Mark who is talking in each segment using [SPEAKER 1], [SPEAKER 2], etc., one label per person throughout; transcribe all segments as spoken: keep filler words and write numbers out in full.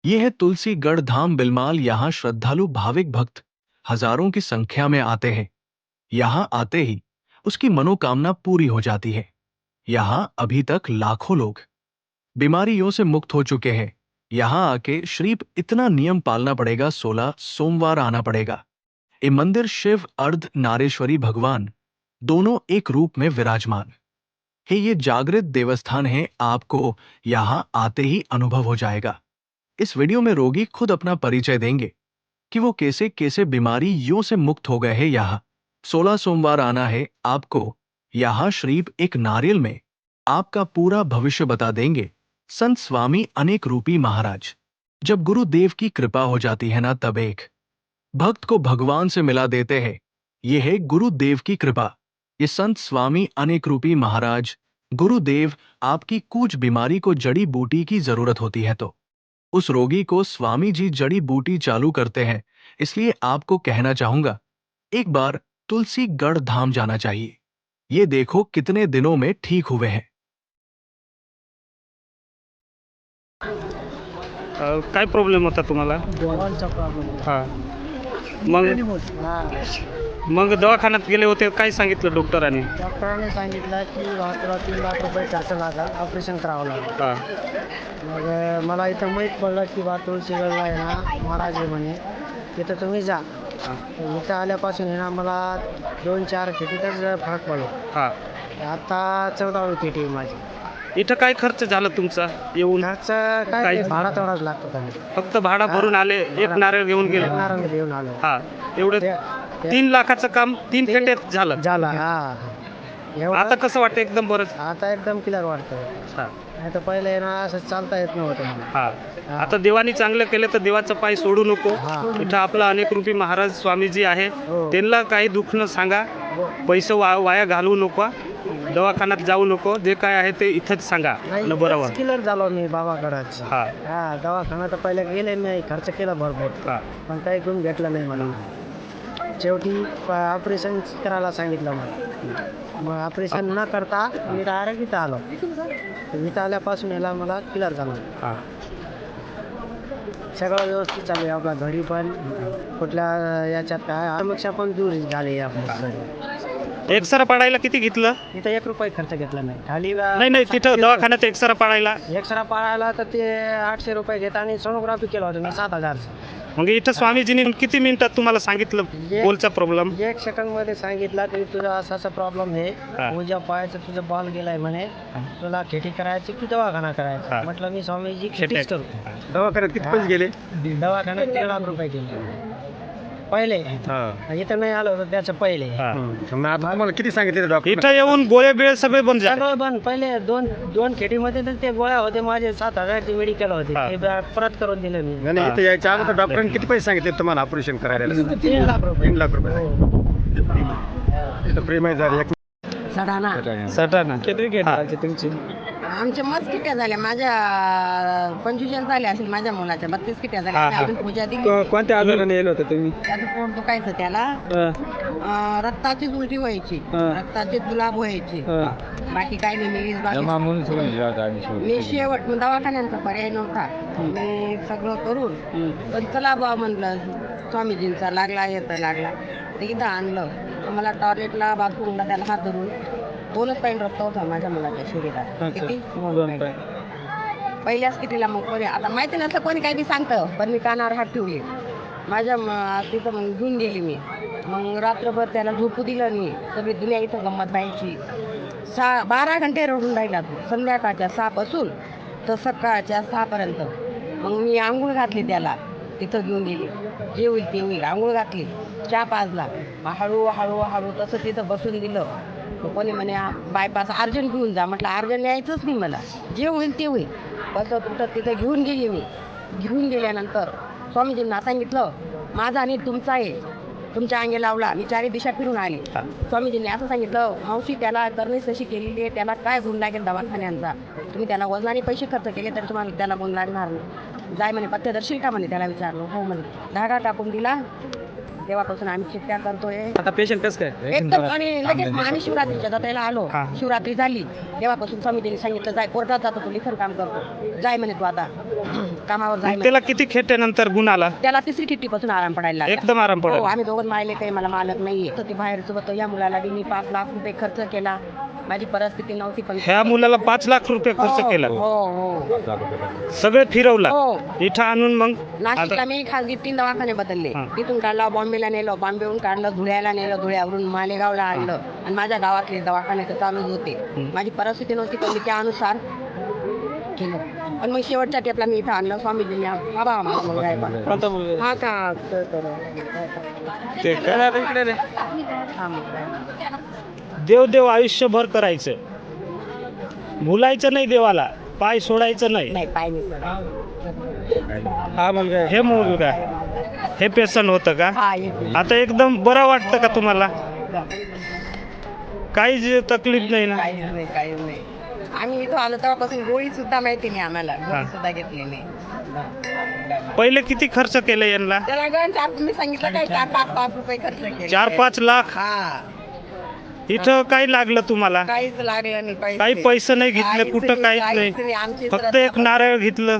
[SPEAKER 1] ये है तुलसीगढ़ धाम बिलमाल। यहाँ श्रद्धालु भाविक भक्त हजारों की संख्या में आते हैं। यहाँ आते ही उसकी मनोकामना पूरी हो जाती है। यहाँ अभी तक लाखों लोग बीमारियों से मुक्त हो चुके हैं। यहाँ आके श्रीप इतना नियम पालना पड़ेगा, सोलह सोमवार आना पड़ेगा। ये मंदिर शिव अर्ध नारेश्वरी भगवान दोनों एक रूप में विराजमान है। ये जागृत देवस्थान है, आपको यहाँ आते ही अनुभव हो जाएगा। इस वीडियो में रोगी खुद अपना परिचय देंगे कि वो कैसे कैसे बीमारियों से मुक्त हो गए हैं। यहाँ सोलह सोमवार आना है आपको। यहाँ श्रीप एक नारियल में आपका पूरा भविष्य बता देंगे। संत स्वामी अनेक रूपी महाराज, जब गुरुदेव की कृपा हो जाती है ना, तब एक भक्त को भगवान से मिला देते हैं। ये है गुरुदेव की कृपा। ये संत स्वामी अनेक रूपी महाराज गुरुदेव, आपकी कुछ बीमारी को जड़ी बूटी की जरूरत होती है तो उस रोगी को स्वामी जी जड़ी बूटी चालू करते हैं। इसलिए आपको कहना चाहूंगा, एक बार तुलसीगढ़ धाम जाना चाहिए। ये देखो कितने दिनों में ठीक हुए हैं।
[SPEAKER 2] अ, काय प्रॉब्लेम होता तुम्हाला?
[SPEAKER 3] डोळ्यांचा प्रॉब्लेम
[SPEAKER 2] हां. मग मग दवाखान्यात गेले होते, काय सांगितलं डॉक्टरांनी?
[SPEAKER 3] डॉक्टरांनी सांगितलं की तुला तीन लाख रुपये खर्च लागला, ऑपरेशन करावं लागेल.
[SPEAKER 2] हां.
[SPEAKER 3] मग अ, मला इथं माहीत पडलं की बा तुळशीगडला आहे ना महाराज आहे म्हणे, तिथं तुम्ही जा.
[SPEAKER 2] हां.
[SPEAKER 3] इथं आल्यापासून आहे ना मला दोन चार खेटीतच फरक पडला.
[SPEAKER 2] हां.
[SPEAKER 3] आता चौदावी खेटी आहे माझी.
[SPEAKER 2] इथं काय खर्च झाला तुमचा येऊन?
[SPEAKER 3] खर्च काय
[SPEAKER 2] काय?
[SPEAKER 3] ते भाडा तेवढाच लागतो त्यांनी.
[SPEAKER 2] फक्त भाडा भरून आले, एक नारळ घेऊन गेले?
[SPEAKER 3] नारंग देऊन आलो.
[SPEAKER 2] हां. एवढं
[SPEAKER 3] ते- ते-
[SPEAKER 2] तीन लाखाचं काम तीन
[SPEAKER 3] ते-
[SPEAKER 2] खेट्यात झालं.
[SPEAKER 3] झाला हा. एवढं-
[SPEAKER 2] आता कसं वाटतं? एकदम बरं.
[SPEAKER 3] आता एकदम क्लिअर वाटतं.
[SPEAKER 2] हां.
[SPEAKER 3] नाही तर पहिले आहे ना असं चालता येत नव्हतं मला.
[SPEAKER 2] हां. आता देवानी चांगलं केलं तर देवाचं पाय सोडू नको.
[SPEAKER 3] हा.
[SPEAKER 2] इथं आपला अनेक रूपी महाराज स्वामीजी आहे,
[SPEAKER 3] हो.
[SPEAKER 2] त्यांना काही दुःख न सांगा.
[SPEAKER 3] हो.
[SPEAKER 2] पैसे वा वाया घालवू नको, दवाखान्यात जाऊ नको. जे काय आहे ते इथंच सांगा आणि बरोबर.
[SPEAKER 3] क्लिअर झालो मी बाबाकडेच.
[SPEAKER 2] हा.
[SPEAKER 3] हा दवाखाना तर पहिले गेले मी, खर्च केला भरपूर,
[SPEAKER 2] हा.
[SPEAKER 3] पण काही गुण भेटलं नाही मला. शेवटी ऑपरेशन करायला सांगितलं मला. मग ऑपरेशन न करता मी डायरेक्ट इथं आलो. इथं आल्यापासून याला मला क्लिअर झालं.
[SPEAKER 2] हां.
[SPEAKER 3] सगळं व्यवस्थित चालू आहे. आपल्या घरी पण कुठल्या याच्यात काय समस्या पण दूर झाली आपल्या घरी.
[SPEAKER 2] एक्सरा पाडायला किती घेतलं?
[SPEAKER 3] इथं एक रुपये खर्च घेतला नाही. खाली
[SPEAKER 2] नाही नाही, तिथं दवाखान्यात एक्सरा पाडायला
[SPEAKER 3] एक्सरा पाळायला तर ते आठशे रुपये घेत आणि सोनोग्राफी केलं होतं मी सात हजार.
[SPEAKER 2] मग इथं स्वामीजींनी किती मिनिटात तुम्हाला सांगितलं बोलचा प्रॉब्लेम?
[SPEAKER 3] एक सेकंड मध्ये सांगितलं की तुझा असा असा प्रॉब्लेम
[SPEAKER 2] हा.
[SPEAKER 3] आहे, उद्या पायाचं तुझं बॉल गेलाय म्हणे, तुला खेटी करायची की दवाखाना
[SPEAKER 2] हा.
[SPEAKER 3] करायचा. म्हटलं मी स्वामीजी
[SPEAKER 2] खेटी.
[SPEAKER 3] खेटीच करू.
[SPEAKER 2] दवाखान्यात किती पैसे गेले?
[SPEAKER 3] दवाखान्यात तीन लाख रुपये गेले पहिले. इथं नाही आलो होतं त्याचं पहिले.
[SPEAKER 2] तुम्हाला किती सांगितले डॉक्टर? इथं येऊन गोळे बिळे सगळे बंद झाले.
[SPEAKER 3] सगळं बंद. पहिले दोन दोन खेटीमध्ये तर ते गोळ्या होते माझे सात हजारचे मेडिकल होते,
[SPEAKER 2] हा.
[SPEAKER 3] ते बा- परत करून दिले मी.
[SPEAKER 2] नाही, इथं यायच्या अगोदर डॉक्टरांनी किती पैसे सांगितले तुम्हाला ऑपरेशन करायला?
[SPEAKER 3] तीन लाख रुपये.
[SPEAKER 2] तीन लाख रुपये. प्रेम झाले एक
[SPEAKER 4] सडाणा
[SPEAKER 2] सटाणा. किती घेतला तुमची?
[SPEAKER 4] आमच्या मस्त किट्या झाल्या. माझ्या पंचवीस झाल्या असेल माझ्या मुलाच्या, बत्तीस किट्या
[SPEAKER 2] हा,
[SPEAKER 4] झाल्या.
[SPEAKER 2] हा.
[SPEAKER 4] अजून पूजा दिली.
[SPEAKER 2] कोणत्या आजाराने येलो होतं तुम्ही?
[SPEAKER 4] त्याचं पोट दुखायचं त्याला. अं, रक्ताची उलटी व्हायची,
[SPEAKER 2] हा.
[SPEAKER 4] रक्ताचे जुलाब व्हायचे. बाकी काही नाही. मी बाकी मी शेवट मग दवाखान्यांचा पर्याय नव्हता. मी सगळं करून पण चला बा म्हणलं, स्वामीजींचा लागला येतं लागला ते इथं आणलं. मला टॉयलेटला बाथरूमला त्याला हात धरून दोनच पॉईंट रक्त होता माझ्या मुलाच्या शरीरात. किती? दोन पॉईंट. पहिल्याच कितीला मग कोणी आता माहिती नसलं कोणी काही बी सांगतं, पण मी कानावर हात ठेवले. माझ्या म- तिथं मग घेऊन गेली मी. मग रात्रभर त्याला झोपू दिलं नाही. सगळी दुनिया इथं गंमत व्हायची. सहा बारा घंटे रडून राहिला तो, संध्याकाळच्या सहापासून तर सकाळच्या सहापर्यंत. मग मी आंघोळ घातली त्याला, तिथं घेऊन गेली. जे होईल ते होईल. आंघोळ घातली, चहा पाजला. मग हळू हळू हळू तसं तिथं बसून दिलं. मग कोणी म्हणे बायपास अर्जंट घेऊन जा. म्हटलं अर्जंट यायचंच नाही मला, जे होईल ते होईल. बसं तुमचं तिथं घेऊन गेली मी. घेऊन गेल्यानंतर स्वामीजींना सांगितलं माझा आणि तुमचा आहे, तुमच्या अंगी लावला. मी चारी दिशा फिरून आले. स्वामीजींनी असं सांगितलं, मावशी त्याला करणीच तशी केलेली आहे, त्याला काय गुण लागेल दवाखान्यांचा? तुम्ही त्याला वजनाने पैसे खर्च केले तर तुम्हाला त्याला गुण लागणार नाही. जाय म्हणे पथ्यदर्शी का म्हणे. त्याला विचारलं. हो म्हणे. धागा टाकून दिला. तेव्हापासून आम्ही चिठ्ठ्या करतोय.
[SPEAKER 2] आता पेशंट कसं काय?
[SPEAKER 4] एकदम. आणि लगेच मग आम्ही शिवरात्रीच्या जत्रेला आलो.
[SPEAKER 2] हा.
[SPEAKER 4] शिवरात्री झाली तेव्हापासून स्वामीजींनी सांगितलं जाय कोर्टात जातो, तू लिखण काम करतो, जाय म्हणे तू आता. कामावर
[SPEAKER 2] मग
[SPEAKER 4] जायला
[SPEAKER 2] त्याला किती खेट्यानंतर गुण आला?
[SPEAKER 4] त्याला तिसरी खिट्टीपासून आराम पडायला लागला.
[SPEAKER 2] एकदम आराम
[SPEAKER 4] हो
[SPEAKER 2] पडला.
[SPEAKER 4] आम्ही दोघं मायले काही मला मालक नाहीये तर ते बाहेर सोबत या मुलाला बी मी पाच लाख रुपये खर्च केला. माझी परिस्थिती नव्हती पण
[SPEAKER 2] ह्या मुलाला पाच लाख रुपये खर्च
[SPEAKER 4] हो,
[SPEAKER 2] केला.
[SPEAKER 4] हो हो
[SPEAKER 2] सगळे फिरवला
[SPEAKER 4] हो
[SPEAKER 2] इथं आणून. मग
[SPEAKER 4] नाशिकला मी खासगी तीन दवाखाने बदलले.
[SPEAKER 2] हा.
[SPEAKER 4] तिथून काढला बॉम्बेला नेलं, बॉम्बेहून काढलं धुळ्याला नेलं, धुळ्यावरून मालेगावला आणलं आणि माझ्या गावातले दवाखाने तर चालूच होते. माझी परिस्थिती नव्हती पण मी त्यानुसार केलं. पण मग शेवटच्या टेपला मी इथं आणलं स्वामीजींनी. बाबा आम्हाला मुलगा आहे बा. हा का तर- तर-
[SPEAKER 2] ते काय
[SPEAKER 4] हा मुलगा आहे.
[SPEAKER 2] देव देव आयुष्यभर करायचं, भुलायचं नाही देवाला, पाय सोडायचं नाही.
[SPEAKER 4] नाही पाय मी
[SPEAKER 2] हा मुलगा, हे मुलगा हे पेशंट होतं का?
[SPEAKER 4] हा येते.
[SPEAKER 2] आता एकदम बरं वाटतं का तुम्हाला? काहीच तकलीफ नाही ना?
[SPEAKER 4] काहीच नाही काहीच नाही. आम्ही इथं आलो तेव्हापासून गोळी सुद्धा माहिती नाही आम्हाला,
[SPEAKER 2] हा.
[SPEAKER 4] गोळी सुद्धा घेतली नाही.
[SPEAKER 2] पहिले किती खर्च केले यांना?
[SPEAKER 4] त्याला गण चार तुम्ही सांगितलं काय चार पाच लाख रुपये खर्च केले.
[SPEAKER 2] चार पाच लाख.
[SPEAKER 4] हा
[SPEAKER 2] इथं काय लागलं तुम्हाला?
[SPEAKER 4] काहीच लागलं नाही पैसे.
[SPEAKER 2] काही पैसे नाही घेतले
[SPEAKER 4] काहीच
[SPEAKER 2] कुठं, काहीच
[SPEAKER 4] काहीच
[SPEAKER 2] नाही.
[SPEAKER 4] आमची
[SPEAKER 2] फक्त
[SPEAKER 4] श्रद्धा
[SPEAKER 2] एक नारळ घेतलं.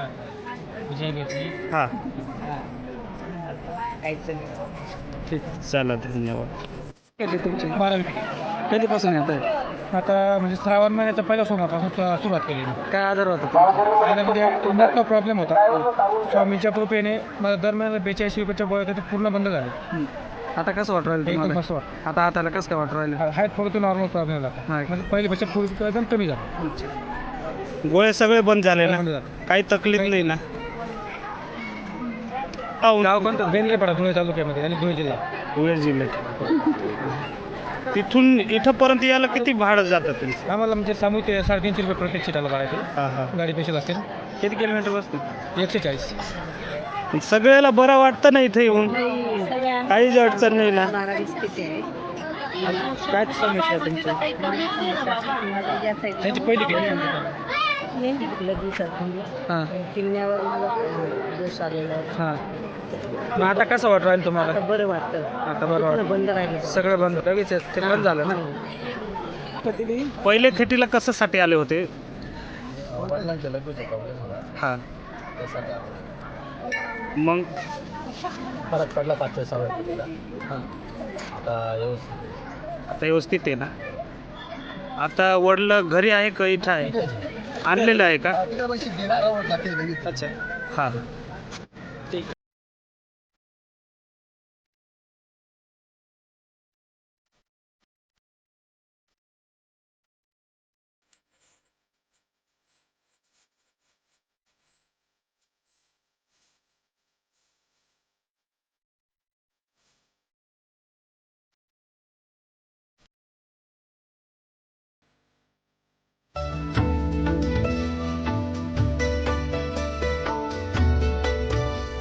[SPEAKER 2] हा
[SPEAKER 4] काहीच नाही.
[SPEAKER 2] ठीक, चला धन्यवाद.
[SPEAKER 5] कधीपासून येत आहे? आता म्हणजे श्रावण महिन्याच्या पहिल्या सोमवारपासून स- सुरुवात केली.
[SPEAKER 3] काय आजार होता?
[SPEAKER 5] त्यामध्ये मोठा प्रॉब्लेम होता. स्वामीच्या कृपेने मला दरम्यान बेचाळीस रुपयाच्या गोळ्या होत्या, ते पूर्ण बंद झाले.
[SPEAKER 3] आता कसं वाटू राहिलं
[SPEAKER 5] एकदम
[SPEAKER 3] तुम्हाला?
[SPEAKER 5] मस्त वाटतं.
[SPEAKER 3] आता हाताला कसं काय वाटू राहिलं?
[SPEAKER 5] हाय थोडं नॉर्मल प्रॉब्लेम झाला.
[SPEAKER 3] हा.
[SPEAKER 5] म्हणजे पहिल्यापेक्षा पूर्वी एकदम कमी झाला.
[SPEAKER 2] गोळे सगळे बंद झाले
[SPEAKER 5] बंद
[SPEAKER 2] ना?
[SPEAKER 5] झाले.
[SPEAKER 2] काही तकलीफ नाही ना? औ,
[SPEAKER 5] गाव कोणतं? बेंद्रेपाडा, धुळे तालुक्यामध्ये आणि धुळे जिल्हा.
[SPEAKER 2] धुळे जिल्ह्यात. तिथून इथंपर्यंत यायला किती भाडं जातं तुमचं?
[SPEAKER 5] आम्हाला म्हणजे सामूहिक ते साडेतीनशे रुपये प्रत्येक सीटाला भरायचे.
[SPEAKER 2] हा हा.
[SPEAKER 5] गाडी पेशल असतील
[SPEAKER 2] किती किलोमीटर बसतं?
[SPEAKER 5] एकशे चाळीस.
[SPEAKER 2] सगळ्याला बरं वाटतं ना इथं येऊन?
[SPEAKER 4] सगळ्या
[SPEAKER 2] काहीच अडचण नाही ना?
[SPEAKER 4] नारळी स्थिती आहे.
[SPEAKER 3] काय समस्या आहे तुमची?
[SPEAKER 5] त्यांची पहिली केली.
[SPEAKER 3] हां
[SPEAKER 4] किमण्यावर मला दोष आलेला आहे.
[SPEAKER 3] हां. मग आता कसं वाटू राहिलं तुम्हाला?
[SPEAKER 4] आता बरं वाटतं.
[SPEAKER 3] आता बरं वाटतं.
[SPEAKER 4] बंद राहिलं
[SPEAKER 3] सगळं बंद, लगेच ते बंद झालं ना?
[SPEAKER 2] पहिले खेटीला कशासाठी आले होते? हा. मग
[SPEAKER 3] फरक पडला पाचशे सहा. हां.
[SPEAKER 2] आता व्यवस्थित आहे ना? आता वडलं घरी आहे का इथं आहे? आणलेलं आहे का? अच्छा. हा.